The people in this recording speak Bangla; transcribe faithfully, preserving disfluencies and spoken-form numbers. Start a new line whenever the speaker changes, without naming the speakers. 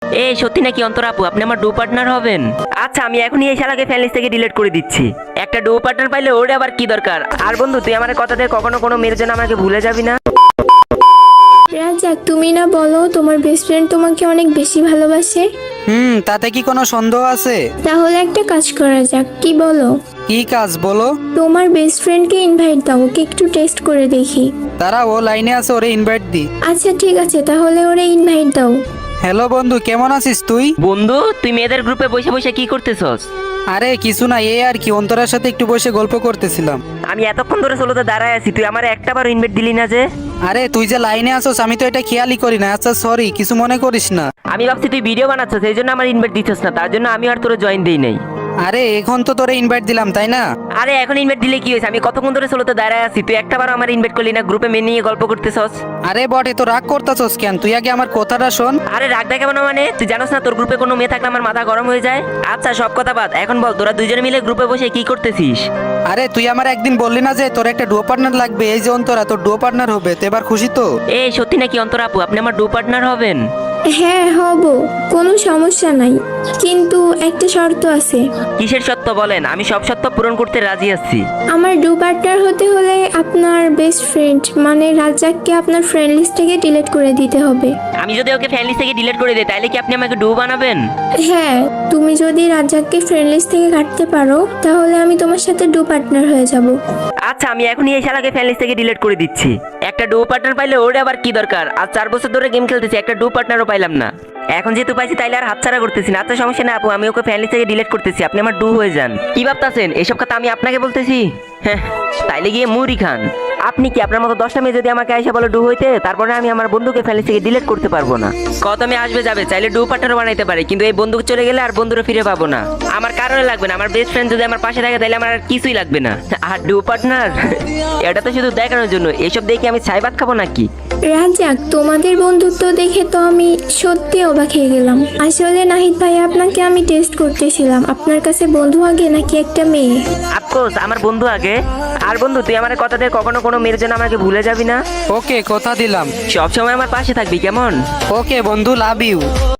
এই সত্যি নাকি অন্তরা আপু আপনি আমার ডু পার্টনার হবেন? আচ্ছা আমি এখনই এই শালাকে ফ্যান লিস্ট থেকে ডিলিট করে দিচ্ছি। একটা ডু পার্টনার পাইলে ওরে আবার কি দরকার। আর বন্ধু তুই আমার কথা দিয়ে কখনো কোনো মেয়ের জন্য আমাকে ভুলে যাবি না।
রাজাক, তুমি না বলো তোমার বেস্ট ফ্রেন্ড তোমাকে অনেক বেশি ভালোবাসে?
হুম, তাতে কি কোনো সন্দেহ আছে?
তাহলে একটা কাজ করা যাক, কি বলো?
কি কাজ বলো?
তোমার বেস্ট ফ্রেন্ডকে ইনভাইট দাও, ওকে একটু টেস্ট করে দেখি।
তারা ও লাইনে আছে, ওরে ইনভাইট দি।
আচ্ছা ঠিক আছে, তাহলে ওরে ইনভাইট দাও।
হ্যালো বন্ধু, কেমন আছিস তুই?
বন্ধু তুই মেয়েদের গ্রুপে বসে বসে কি করতেছস?
আরে কিছু না, এই আর কি, অন্তরার সাথে একটু বসে গল্প করতেছিলাম।
আমি এতক্ষণ ধরে সোলোতে দাঁড়ায় আছি, তুই আমার একটা বার ইনভাইট দিলি না যে?
আরে তুই যে লাইনে আসোস আমি তো এটা খেয়ালই করি না। আচ্ছা সরি, কিছু মনে করিস না।
আমি ভাবছি তুই ভিডিও বানাচ্ছস সেই জন্য আমার ইনভাইট দিচ্ছস না, তার জন্য আমি আর তোরে জয়েন দেই নাই।
আরে এখন তো তোরে ইনভাইট দিলাম তাই না?
আরে এখন ইনভাইট দিলে কি হয়েছে? আমি কতক্ষণ ধরে সোলোতে দাঁড়ায় আছি, তুই একটা বার আমার ইনভাইট করলি না, গ্রুপে মেয়ে নিয়ে গল্প করতেছস।
আরে বটে, তো রাগ করতেছস কেন? তুই আগে আমার কথাটা শোন।
আরে রাগ দেখাবো না মানে? তুই জানোস না তোর গ্রুপে কোনো মেয়ে থাকলে আমার মাথা গরম হয়ে যায়। আচ্ছা সব কথা বাদ, এখন বল তোরা দুইজনে মিলে গ্রুপে বসে কি করতেছিস?
আরে তুই আমার একদিন বললি না যে তোর একটা ডুও পার্টনার লাগবে? এই যে অন্তরা তোর ডুও পার্টনার হবে, তো এবার খুশি তো?
এই সত্যি নাকি অন্তরা আপু আপনি আমার ডু পার্টনার হবেন?
হ্যাঁ হব, কোনো সমস্যা নাই, কিন্তু একটা শর্ত আছে।
কিসের সত্য বলেন, আমি সব সত্য পূরণ করতে রাজি আছি।
আমার ডু পার্টনার হতে হলে আপনার বেস্ট ফ্রেন্ড মানে রাজাককে আপনার ফ্রেন্ড লিস্ট থেকে ডিলিট করে দিতে হবে।
আমি যদি ওকে ফ্যান লিস্ট থেকে ডিলিট করে দিই তাহলে কি আপনি আমাকে ডু বানাবেন?
হ্যাঁ, তুমি যদি রাজাককে ফ্রেন্ড লিস্ট থেকে কাটতে পারো তাহলে আমি তোমার সাথে ডু পার্টনার হয়ে যাব।
আচ্ছা আমি এখনই এই শালাকে ফ্যান লিস্ট থেকে ডিলিট করে দিচ্ছি। একটা ডু পার্টনার পাইলে ওরে আবার কি দরকার। আজ চার বছর ধরে গেম খেলতেছি, একটা ডু পার্টনারও পাইলাম না। এখন যেহেতু পাইছি তাইলে আর হাতছাড়া করতেছি না। আচ্ছা সমস্যা না আপু, আমি ওকে ফ্যান লিস্ট থেকে ডিলিট করতেছি, আপনি আমার ডু হয়ে যান। কি ভাবতাছেন এসব কথা আমি আপনাকে বলতেছি? হ্যাঁ, তাইলে গিয়ে মুড়ি খান। আপনি কি আপনার মতো দশটা মেয়ে যদি আমাকে আইসা বলে ডু হইতে, তারপরে আমি আমার বন্ধুকে ফ্যান লিস্ট থেকে ডিলিট করতে পারবো না? কত মেয়ে আসবে যাবে, চাইলে ডু পার্টনারও বানাইতে পারে, কিন্তু এই বন্ধু চলে গেলে আর বন্ধুরা ফিরে পাবো না। আমার কারণে লাগবে না, আমার বেস্ট ফ্রেন্ড যদি আমার পাশে থাকে তাহলে আমার আর কিছুই লাগবে না। আর ডু পার্টনার এটা তো শুধু দেখানোর জন্য, এসব দেখে আমি ছাই ভাত খাবো নাকি?
রাজাক, তোমাদের বন্ধুত্ব দেখে তো আমি সত্যি অবাক হয়ে গেলাম। আসলে নাহিদ ভাই, আপনাকে আমি টেস্ট করতেছিলাম, আপনার কাছে বন্ধু আগে নাকি একটা মেয়ে?
আফকোর্স আমার বন্ধু আগে। আর বন্ধু তুই আমার কথা দিয়ে কখনো কোনো মেয়ের জন্য আমাকে ভুলে যাবি না?
ওকে, কথা দিলাম।
সবসময় আমার পাশে থাকবি কেমন?
ওকে বন্ধু, লাভ ইউ।